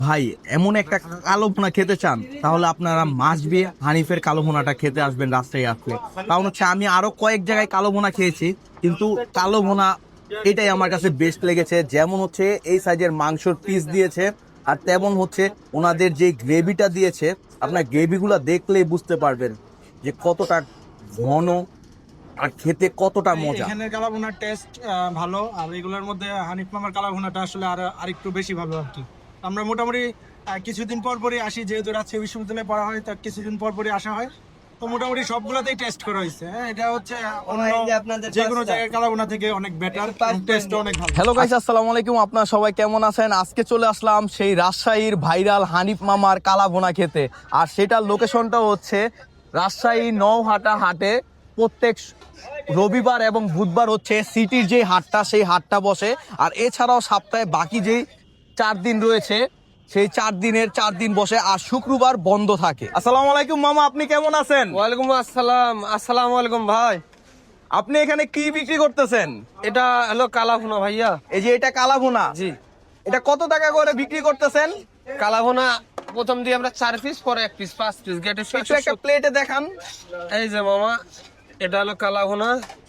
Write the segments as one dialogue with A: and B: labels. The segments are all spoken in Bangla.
A: ভাই এমন একটা কালো ভুনা খেতে চান তাহলে আপনারা মাস্ট বি হানিফের কালো ভুনাটা খেতে আসবেন রাস্তায় আসলে। কারণ হচ্ছে আমি আরো কয়েক জায়গায় কালো ভুনা খেয়েছি, কিন্তু কালো ভুনা এটাই আমার কাছে বেস্ট লেগেছে। যেমন হচ্ছে এই সাইজের মাংসর পিস দিয়েছে, আর তেমন হচ্ছে ওনাদের যে গ্রেভিটা দিয়েছে, আপনার গ্রেভিগুলো দেখলেই বুঝতে পারবেন যে কতটা ঘন আর খেতে কতটা মজা।
B: এখানের কালাভুনার টেস্ট ভালো, আর এগুলোর মধ্যে হানিফ মামার কালাভুনাটা আসলে আরেকটু বেশি ভালো আর কি। আমরা মোটামুটি কিছুদিন পর পরই আসি, যেহেতু রাজশাহী বিশ্ববিদ্যালয়ে পড়া হয়, তার কিছুদিন পর পরই আসা হয়। তো মোটামুটি সবগুলোতেই টেস্ট করা হয়েছে। হ্যাঁ, এটা হচ্ছে অন্য যে কোনো জায়গায় কালাভুনা থেকে অনেক বেটার, টেস্ট অনেক ভালো।
A: হ্যালো গাইস, আসসালামু আলাইকুম। আপনারা সবাই কেমন আছেন? আজকে চলে আসলাম সেই রাজশাহীর ভাইরাল হানিফ মামার কালা ভুনা খেতে, আর সেটার লোকেশনটা হচ্ছে রাজশাহী নওহাটা হাটে। প্রত্যেক রবিবার এবং বুধবার হচ্ছে সিটির যে হাটটা, সেই হাটটা বসে। আর এছাড়াও সপ্তাহে বাকি যেই 4 দিন রয়েছে, সেই 4 দিনের 4 দিন বসে, আর শুক্রবার বন্ধ থাকে। আসসালামু আলাইকুম মামা, আপনি কেমন আছেন?
C: ওয়ালাইকুম আসসালাম। আসসালামু আলাইকুম ভাই।
A: আপনি এখানে কি বিক্রি করতেছেন?
C: এটা হলো কালাভুনা ভাইয়া।
A: এই যে এটা কালা ভুনা,
C: জি,
A: এটা কত টাকা করে বিক্রি করতেছেন?
C: কালাভুনা প্রথম দিয়ে আমরা 4 পিস, পরে 1 পিস, 5 পিস গেটে।
A: একটু একটা প্লেটে দেখান।
C: এই যে মামা, এটা হলো কালাভুনা।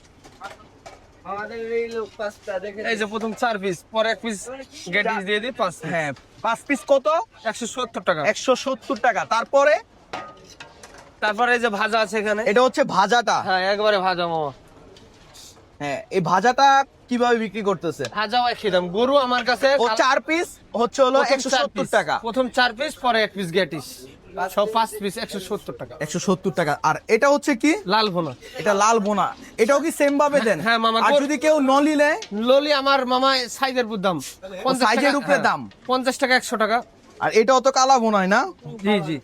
C: এই যে প্রথম 4 পিস, পরে 1 পিস গেটে দিয়ে দিই 5 পিস।
A: হ্যাঁ, 5 পিস কত?
C: 170 টাকা।
A: 170 টাকা। তারপরে
C: তারপরে এই যে ভাজা আছে এখানে।
A: এটা হচ্ছে ভাজাটা।
C: হ্যাঁ, একবারে ভাজা মামা।
A: হ্যাঁ, এই ভাজাটা কিভাবে বিক্রি করতেছে?
C: ভাজাও একই দাম। গরু আমার কাছে
A: ও 4 পিস হচ্ছে হলো
C: প্রথম 4
A: 170
C: পিস।
A: টাকা।
C: প্রথম 4 পিস, পরে 1 পিস গেটিস, সব 5 পিস 170 টাকা।
A: 170 টাকা। আর এটা হচ্ছে কি?
C: লাল ভুনা।
A: এটা লাল ভুনা। এটাও কি সেম ভাবে দেন?
C: হ্যাঁ মামা।
A: আর যদি কেউ নলি নেয়?
C: ললি আমার মামা সাইজের উপর দাম, 50
A: সাইজের
C: টাকা।
A: উপরে
C: হ্যাঁ,
A: দাম।
C: 50 টাকা, 100 টাকা।
A: আর এটাও তো কালা ভুনাই না?
C: জি জি।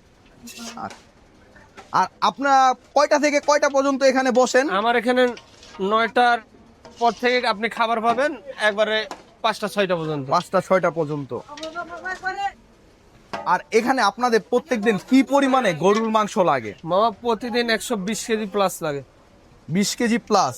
A: আর আপনার কয়টা থেকে কয়টা পর্যন্ত এখানে বসেন?
C: আমার এখানে 9টার পর থেকে আপনি খাবার পাবেন একবারে 5টা 6টা পর্যন্ত।
A: 5টা 6টা পর্যন্ত। আর এখানে আপনাদের প্রত্যেকদিন কি পরিমাণে গরুর মাংস লাগে?
C: মামা প্রতিদিন 120 কেজি প্লাস লাগে।
A: 20 কেজি প্লাস।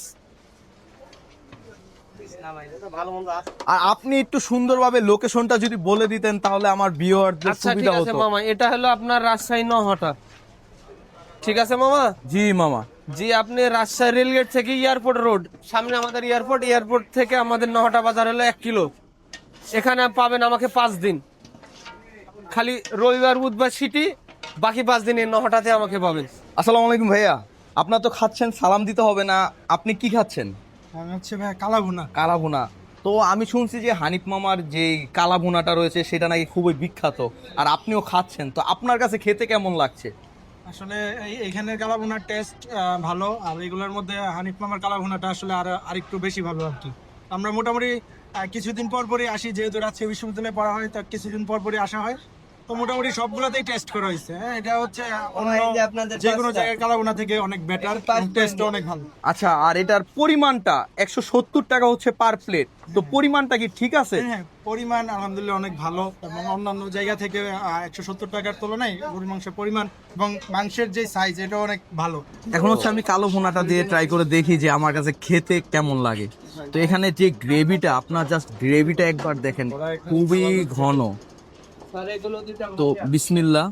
A: আর আপনি একটু সুন্দরভাবে লোকেশনটা যদি বলে দিতেন তাহলে আমার ভিউয়ারদের
C: আচ্ছা ঠিক
A: সুবিধা
C: আছে
A: হতো।
C: মামা, এটা হলো আপনার রাজশাহী নওহাটা। ঠিক আছে মামা।
A: জি মামা।
C: জি, আপনি রাজশাহী রেলগেট থেকে এয়ারপোর্ট রোড, সামনে আমাদের এয়ারপোর্ট। এয়ারপোর্ট থেকে আমাদের নওহাটা বাজার হলো 1 কিলো। এখানে পাবেন আমাকে 5 দিন, খালি রবিবার বুধবার সিটি, বাকি 5 দিন এই নওহাটাতে আমাকে পাবেন।
A: আসসালামু আলাইকুম ভাইয়া। আপনার তো খাচ্ছেন, সালাম দিতে হবে না। আপনি কি খাচ্ছেন?
B: আমি হচ্ছে ভাই কালাভুনা।
A: কালা ভুনা। তো আমি শুনছি যে হানিফ মামার যে কালা ভুনাটা রয়েছে সেটা নাকি খুবই বিখ্যাত, আর আপনিও খাচ্ছেন। তো আপনার কাছে খেতে কেমন লাগছে?
B: আসলে এইখানের কালাভুনার টেস্ট ভালো, আর এগুলোর মধ্যে হানিফ মামার কালাভুনাটা আসলে আরেকটু বেশি ভালো আর কি। আমরা মোটামুটি কিছুদিন পর পরই আসি, যেহেতু রাজশাহী বিশ্ববিদ্যালয়ে পড়া হয়, তার কিছুদিন পর পরই আসা হয়। তো মোটামুটি সবগুলোতেই টেস্ট করা হয়েছে। হ্যাঁ, এটা হচ্ছে অন্য যে কোনো জায়গায় কালাভুনা থেকে অনেক বেটার, টেস্ট অনেক ভালো।
A: আচ্ছা, আর এটার পরিমাণটা 170 টাকা হচ্ছে পার প্লেট। তো পরিমাণটা কি ঠিক আছে?
B: হ্যাঁ, পরিমাণ আলহামদুলিল্লাহ অনেক ভালো, এবং অন্যান্য জায়গা থেকে 170 টাকার তুলনায় গরুর মাংসের পরিমাণ এবং মাংসের যে সাইজ, এটা অনেক ভালো।
A: এখন হচ্ছে আমি কালো ভুনাটা দিয়ে ট্রাই করে দেখি যে আমার কাছে খেতে কেমন লাগে। তো এখানে যে গ্রেভিটা, আপনার জাস্ট গ্রেভিটা একবার দেখেন, খুবই ঘন। তো বিসমিল্লাহ।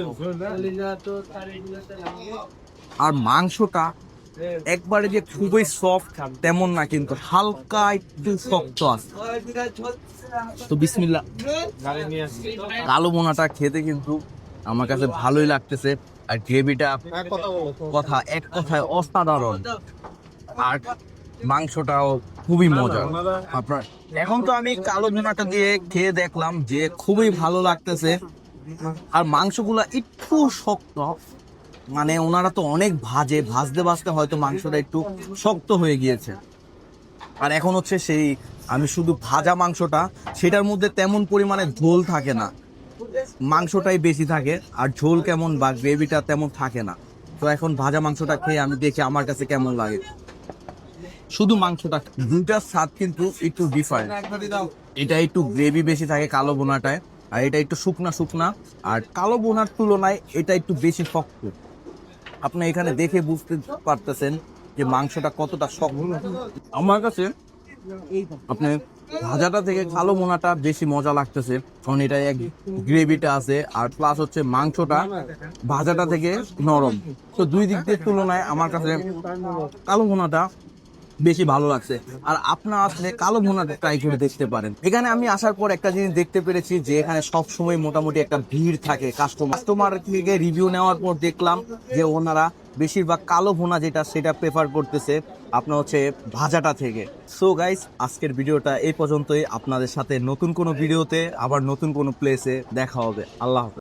A: আর মাংসটা একবারে যে খুবই সফট তেমন না, কিন্তু হালকা একটু শক্ত আছে। তো বিসমিল্লাহ। কালো ভুনাটা খেতে কিন্তু আমার কাছে ভালোই লাগতেছে, আর গ্রেভিটা এক কথায় অসাধারণ, আর মাংসটাও খুবই মজা। আপনার এখন তো আমি কালো ভুনাটা দিয়ে খেয়ে দেখলাম যে খুবই ভালো লাগতেছে। আর মাংসগুলা একটু শক্ত, মানে ওনারা তো অনেক ভাজতে ভাজতে হয়তো মাংসটা একটু শক্ত হয়ে গিয়েছে। আর এখন হচ্ছে সেই আমি শুধু ভাজা মাংসটা, সেটার মধ্যে তেমন পরিমাণে ঝোল থাকে না, মাংসটাই বেশি থাকে, আর ঝোল কেমন বা গ্রেভিটা তেমন থাকে না। তো এখন ভাজা মাংসটা খেয়ে আমি দেখি আমার কাছে কেমন লাগে। শুধু মাংসটা, দুটার স্বাদ কিন্তু একটু ডিফারেন্ট। এটা একটু গ্রেভি বেশি থাকে কালো বোনাটায়, আর এটা একটু শুকনা শুকনা। আর কালো বোনার তুলনায় এটা একটু বেশি শক্ত। আপনি এখানে দেখে বুঝতে পারতেছেন যে মাংসটা কতটা শক্ত। আমার কাছে আপনি ভাজাটা থেকে কালো ভুনাটা বেশি মজা লাগতেছে, কারণ এটা এক গ্রেভিটা আছে আর প্লাস হচ্ছে মাংসটা ভাজাটা থেকে নরম। তো দুই দিক দিয়ে তুলনায় আমার কাছে কালো ভুনাটা বেশি ভালো লাগছে। আর আপনার আসলে কালো ভুনাটা ট্রাই করে দেখতে পারেন। এখানে আমি আসার পর একটা জিনিস দেখতে পেরেছি যে এখানে সবসময় মোটামুটি একটা ভিড় থাকে কাস্টমার থেকে রিভিউ নেওয়ার পর দেখলাম যে ওনারা বেশিরভাগ কালো ভুনা যেটা সেটা প্রেফার করতেছে আপনার হচ্ছে ভাজাটা থেকে। সো গাইস, আজকের ভিডিওটা এই পর্যন্তই। আপনাদের সাথে নতুন কোনো ভিডিওতে আবার নতুন কোনো প্লেসে দেখা হবে। আল্লাহ হাফেজ।